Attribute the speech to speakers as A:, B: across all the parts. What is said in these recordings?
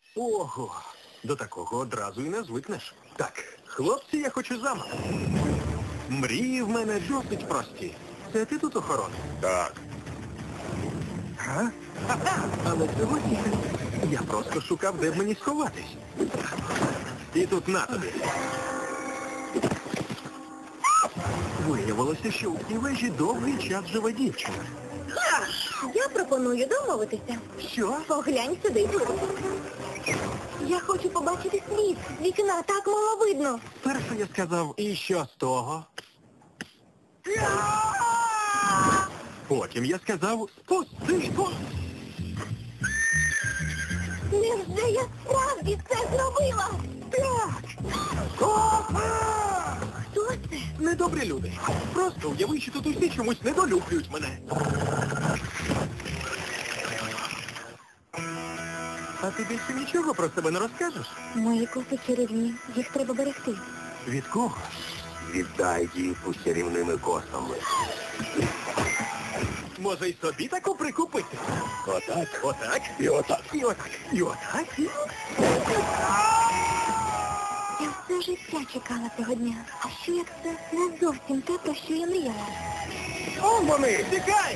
A: Ого, до такого одразу і не звикнеш. Так, хлопці, я хочу замок. Мрії в мене досить прості. Це ти тут охорона?
B: Так.
A: Га? Ха-ха! Але сьогодні я просто шукав, де б мені сховатись. І тут на тобі. Виявилося, що у цій вежі довгий час живе дівчина.
C: Я пропоную домовитися.
A: Що?
C: Поглянь сюди. Я хочу побачити світ. З вікна так мало видно.
A: Перше я сказав, і що з того? Потім я сказав, спусти.
C: Невже я справді це зробила?
A: Так.
C: Хто це?
A: Недобрі люди. Просто уяви, що тут усі чомусь недолюблюють мене. А ти більше нічого про себе не розкажеш?
C: Мої коси чарівні. Їх треба берегти.
A: Від кого?
B: Віддай дівку з чарівними косами.
A: Може й собі таку прикупити?
B: Отак.
A: Отак?
B: І отак.
A: І отак. І отак.
C: Я все життя чекала цього дня. А що як це не зовсім те, про що я мріяла?
A: О, вони! Тікай!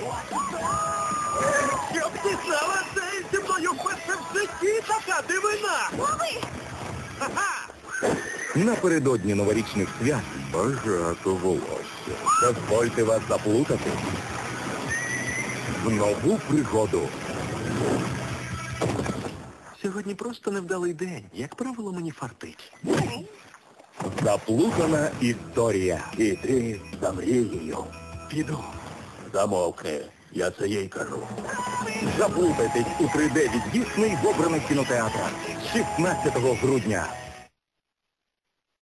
A: Щоб ти знала, це зі мною вперше в житті така дивина!
C: Лови!
A: Ха-ха!
B: Напередодні новорічних свят багато волосся. Дозвольте вас заплутати в нову пригоду.
A: Сьогодні просто невдалий день. Як правило, мені фартить.
B: Заплутана історія. Іди за мрією.
A: Піду.
B: Замовкни. Я це їй кажу. Заплутайтесь у 3D від Дісней в обраних кінотеатрах 16 грудня.